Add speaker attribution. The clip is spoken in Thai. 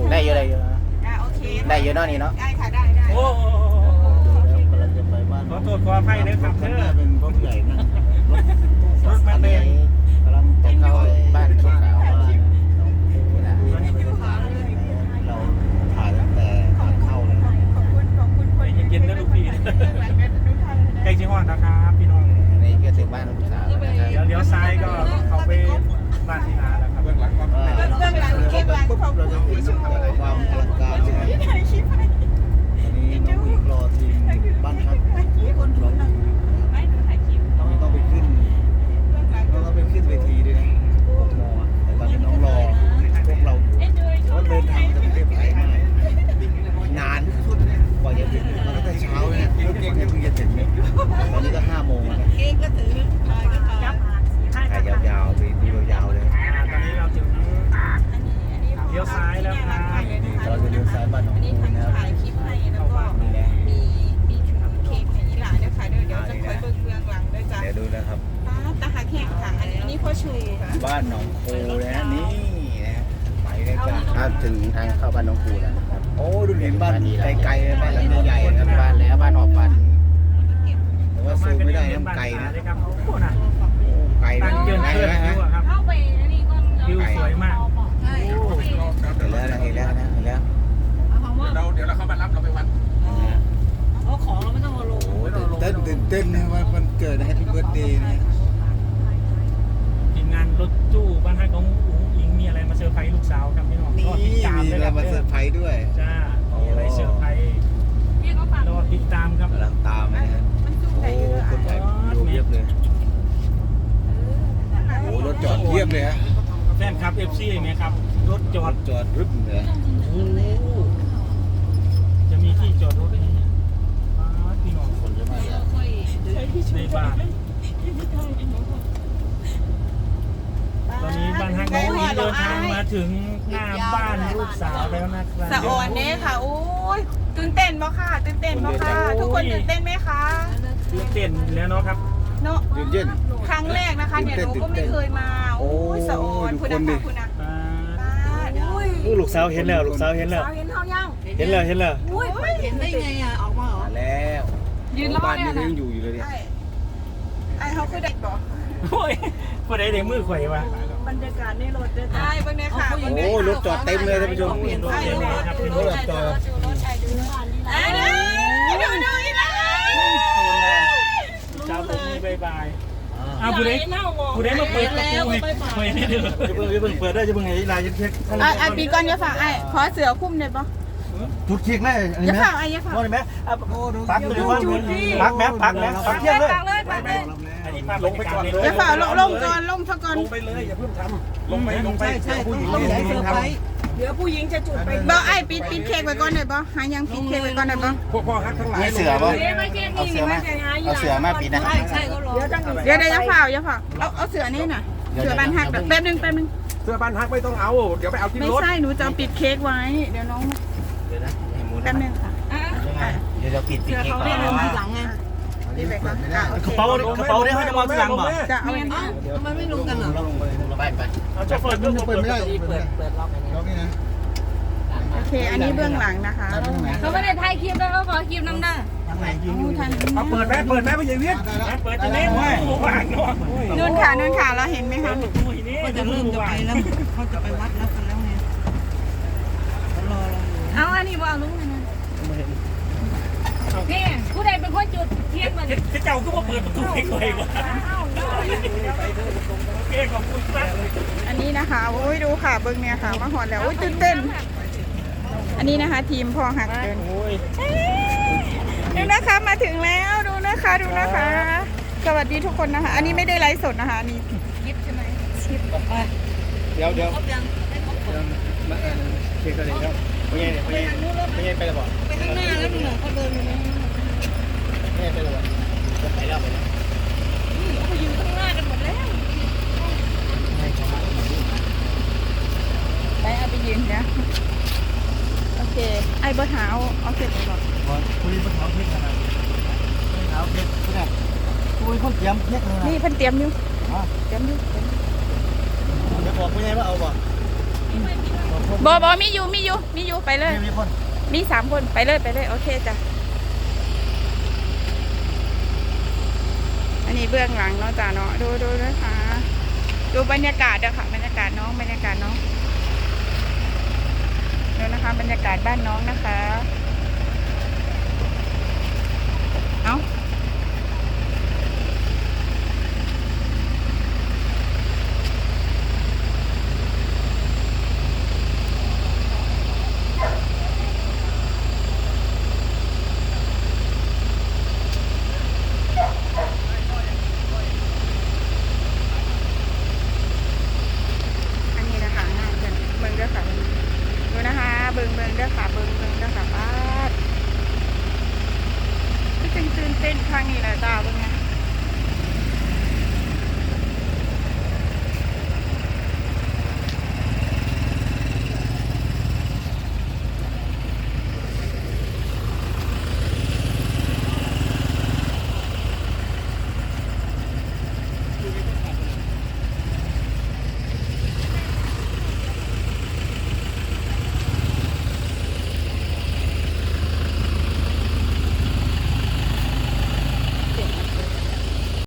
Speaker 1: ได้เยอะได้เยอะ
Speaker 2: โอเค
Speaker 1: ได้เยอะเนาะนี่เนาะ
Speaker 2: ได้ค่ะได้
Speaker 3: โอ้
Speaker 4: กำลังจะไปบ้าน
Speaker 3: ขอโทษขออภัยนะครับเธอ
Speaker 4: เป็นรถใหญ่นั่ง
Speaker 3: รถมาเต็ม
Speaker 4: กำลังจะเข้า
Speaker 1: บ้านลูกสาวว่า
Speaker 4: เราถ่ายตั้งแต่ทางเข้าเลย
Speaker 2: ขอบคุณคน
Speaker 3: เย็นๆนะลูกพี่ใกล้ชิฮอนนะครับพี่น้อง
Speaker 1: นี่ก็ถึงบ้านลูกสาวแล้วนะครับ
Speaker 3: เดี๋ยวเลี้ยวซ้ายก็เข้าไปบ้านที่นาแล้วครับเบื้องหลังก็
Speaker 2: เรื่องหลังเก็บหลังขอบคุณ
Speaker 4: เราจะเห็นแต่ความอลังการใช่ไหม
Speaker 2: ถ่ายคลิปให้
Speaker 4: วันนี้น้องอีกรอทีมบ้านพัก
Speaker 2: คนดูนะไม่ดูถ่ายคลิป
Speaker 4: ต้องไปขึ้นต้องไปขึ้นเวทีด้วยนะมอแต่ตอนนี้น้องรอพวกเราอยู่เพราะเดินทางจะเรียบไกลมากนานกว่าจะถึงมาตั้งแต่เช้าเนี่ยเพิ่งจะถึงเนี่ยตอนนี้ก็5 โมงแล้ว
Speaker 2: เค้กก็ถือถ่ายก็ถ่าย
Speaker 4: ถ่ายยาวๆไปดูยาวๆเลย
Speaker 3: ตอนนี้เราถึงเลี้ยวซ้ายแล้วครับ
Speaker 4: เราจะเลี้ยวซ้ายบ้านน้อง
Speaker 2: อันนี้
Speaker 4: คู
Speaker 2: ทาง
Speaker 4: นะครับ
Speaker 2: ถ่ายคลิปให้แล้วก็มีถือเค้กให้ยีหลานนะคะเดี๋ยวจะคอยเบิ่งเบื้องหลังด้วยจ้ะ
Speaker 4: เดี๋ยวดูนะครับ
Speaker 2: ตาหักแห้งค่ะอันนี้พ่อชูค่ะ
Speaker 4: บ้านหนองคูนะนี่นะไปเลยจ้ะ
Speaker 1: ถ้าถึงทางเข้าบ้านน้องครูแล้วนะครับ
Speaker 4: โอ้ดูเห็นบ้านไกลๆเลยบ้านหลังใหญ่ๆ
Speaker 1: กั
Speaker 4: นะ
Speaker 1: นบ้านแล้วบ้านหอบฝัน
Speaker 4: แต่ว่าซูมไม่ได้น้ำไกลนะ
Speaker 3: ครับโอ้นะ
Speaker 4: ไกล
Speaker 3: ตั้งเจิน
Speaker 4: ไกล
Speaker 3: เพื่อน
Speaker 4: นะ
Speaker 3: วิวอะครับ
Speaker 5: เข้าไปแล้วนี่ก็
Speaker 3: วิวสวยมาก
Speaker 5: ใช่
Speaker 4: เห็นแล้วนะเห็นแล้วนะเห็นแล้ว
Speaker 3: เดี๋ยวเราเข้ามารับเราไปวัด
Speaker 5: เอาของเราไม่ต้องมาลง
Speaker 4: โอ้ตื่นเต้นนะว่าวันเกิดแฮปปี้เบิร์ดเดย์เนี่ย
Speaker 3: ทีมงานรถตู้บ้านฮักน้องอุ๋งอิงมีอะไรมาเซอร์ไพรส์ลูกสาวครับพี่น้อง
Speaker 4: นี่
Speaker 3: รอติดตาม
Speaker 4: มี
Speaker 3: เลย
Speaker 4: อะไร
Speaker 3: ครับ
Speaker 4: มาเซอร์ไพรส์ด้วย
Speaker 3: จ้ามีอะไรเซอร์ไพรส์
Speaker 5: พี่ก็ฝาก
Speaker 3: รอติดตามครับ
Speaker 4: กำลังตามนะฮะ
Speaker 2: มันจุ่ม
Speaker 4: โอ้
Speaker 2: ได้เยอะ
Speaker 4: คนถ่ายดูเพียบเลยโอ้รถจอดเพียบเลยฮะ
Speaker 3: แฟนคลับ FC ไหมครับรถจอด
Speaker 4: จอดรึบเลย
Speaker 3: โอ้จะมีที่จอดรถไหมเนี่ยพี่น้อง
Speaker 4: คนเยอะมากเลย
Speaker 5: ค่อย
Speaker 3: ในบ้านตอนนี้บ้านฮักน้องอุ๋งอิงเดินทางมาถึงหน้าบ้านลูกสาวแล้วนะครับ
Speaker 2: สะออนเน่ค่ะโอ้ยตื่นเต้นบ่ค่ะตื่นเต้นบ่ค่ะทุกคนตื่นเต้นไหมคะ
Speaker 3: ตื่นเต้นแล้วเนาะครับ
Speaker 2: เนาะ
Speaker 4: เย็น
Speaker 2: ครั้งแรกนะคะเนี่ยหนูก็ไม่เคยมาโอ้ยสะออนคุณนะคะคุณนะ
Speaker 6: ลูกสาวเห็นแล้วลูกสาวเห็นแล้ว
Speaker 2: เห็นเขายัง
Speaker 6: เห็นแล้วเห็นแล้ว
Speaker 2: อุ้ย
Speaker 5: เห็นได้ไงอ่ะออกมาเหรอ
Speaker 4: มาแล้ว
Speaker 5: ยืนรอ
Speaker 4: บ้าน
Speaker 5: เนี่
Speaker 4: นี้
Speaker 5: ย
Speaker 4: ก็
Speaker 5: นะ
Speaker 4: ยังอยู่อยู่เลยเนี่ย
Speaker 2: ไอ้เขาคือเด็กบ่
Speaker 3: โอ้ยพอได้เด็กมือไขว่วะ
Speaker 2: บรรยากาศในรถด้วยไอ้เบิ่งเนี่ยค่ะ
Speaker 4: โอ้รถจอดเต็มเลยท่านผู้ชม
Speaker 3: รถเต็มเลยครับ
Speaker 4: รถจอด
Speaker 2: ไอ้ดูอีกแล้ว
Speaker 3: เช้าผมมีบายบายอ้าวผู้ใดมาเปิดประตูให้ไว้นี่เด้อ
Speaker 6: จะเพิ่งเปิดได้จะเพิ่งไอ้ลายจะเช็ค
Speaker 2: ไอ้ปีก่อนอย่าฝากไอ้ขอเสือคุ้มได้ปะ
Speaker 6: จุดเช็คแม่อัน
Speaker 2: อ
Speaker 6: นี้
Speaker 2: ย่า
Speaker 6: ไหม
Speaker 2: ฝากไอ้อย่าฝาก
Speaker 6: ว่าไหมปักเลยว่าปักแม่ปักแม่ปักเที่ยงเลย
Speaker 3: อันนี้ภาพลงไปก่อนเลย
Speaker 2: อย่าฝากลงก่อนลงซะก่อน
Speaker 3: ลงไปเลยอย่าเพิ่งทำลงไปใช่ผู้หญิง
Speaker 5: ต้องใช้เซอร์ไพรส์
Speaker 2: บ่ไอ้ปิดเค้กไว้ก่อนได้ปะหายังปิดเค้กไว้ก่อนได้ปะ
Speaker 3: พวกพ่อฮักทั้งหลาย
Speaker 1: มีเสือป่ะ
Speaker 5: ไม่แค่
Speaker 1: เอา
Speaker 5: นี้
Speaker 1: เสือ
Speaker 5: ไม่
Speaker 1: มา
Speaker 5: ใช่ไง
Speaker 1: เอาเสือมาปิดนะ
Speaker 5: ใช่ใช่เขารอ
Speaker 2: เดี๋ยวอย่าฝากเอาเสือนี่น่ะเสือบ้านหักแป๊บนึง
Speaker 3: เสื้อบ้านฮักไม่ต้องเอาเดี๋ยวไปเอาที่
Speaker 2: ไม่
Speaker 3: รถ
Speaker 2: ใช่หนูจะปิดเค้กไว้เดี๋ยวน้อง
Speaker 1: เดี๋ยวนะให้หมุน
Speaker 2: แป๊บนึงค่ะ
Speaker 1: เดี๋ยวเราปิดเค้กก่อน
Speaker 5: หลังไง
Speaker 2: นี่ไปก่อน
Speaker 6: กระเป๋าเนี่ยเขาจะมาทีหลังบ่
Speaker 2: จะเอา
Speaker 5: ทำไมไม่ลงกันเหรอ
Speaker 1: เราไป
Speaker 3: เอาโชเฟอร์ก็เปิดไม่ได้
Speaker 4: เปิดล็อกนี่นะ
Speaker 2: โอเคอันนี้เบื้องหลังนะคะ
Speaker 5: เขาไม่ได้ถ่ายคลิปแล้วเขาขอคลิปน้ำหน้า
Speaker 3: เอาเปิดแม่ไม่ใช่เวียนเปิดจะเล่นว่างเนาะ
Speaker 2: นู่นค่ะเราเห็นไหมคะ
Speaker 5: ก็จะเริ่มจะไปแล้วเขาจะไปวัดแล้วกันแล้วไงรอเราเอาอันนี้ว่าลุงนะนี่ผู้ใดเป็นคนจุดเทียนมัน
Speaker 3: เจ้าก็มาเปิดประตูให้ใครวะโอเคขอบคุณมาก
Speaker 2: อันนี้นะคะโอ้ยดูค่ะเบื้องเนี่ยค่ะมาหอดแล้วโอ้ยตื่นเต้นอันนี้นะคะ ทีมพ่อหักเดิน
Speaker 3: โอ้ย
Speaker 2: ดูนะคะมาถึงแล้วดูนะคะ สวัสดีทุกคนนะคะ อันนี้ไม่ได้ไลฟ์สดนะคะอันนี้
Speaker 5: คลิปใช่ไหม
Speaker 2: ชิป
Speaker 1: เดี๋ยว
Speaker 5: ครบยัง
Speaker 1: มาเค้กกันเลยครับไม่ใช่ไปแล้วบอก
Speaker 5: ไปข้างหน้าแล้วหนูเขาเดินไปนะ
Speaker 1: ไม่ใช่ไปแล้วบอกไปแล้ว
Speaker 5: เขาอยู่ข้างหน้ากันหมดแล้ว
Speaker 2: ไปเอาไปยืนนะโอเคไอ้เบอร์เท้าเอาเสร็จเลยบอก
Speaker 6: คุยบนเขาเช็คขนาดเขาเช็คขนาดคุยคนเตรียมเช็คเลย
Speaker 2: นี่เพิ่นเตรียมอยู่
Speaker 6: จะบอกไม่ไงว่าเอาบ่บอกชม
Speaker 2: บมีอยู่ไปเลย
Speaker 6: มีคน
Speaker 2: มี3 คนไปเลยโอเคจ้ะอันนี้เบื้องหลังเนาะจ้ะเนาะดูนะคะ ดูบรรยากาศเด้อค่ะบรรยากาศน้องดูนะคะบรรยากาศบ้านน้องนะคะเอ้าอันนี้นะคะงานเบิ่งเด้อค่ะดูนะคะเบิ่งเด้อค่ะเบิ่งเด้อค่ะป้าตื่นเต้นครั้งนี้แหละจ้าเบิ่งไง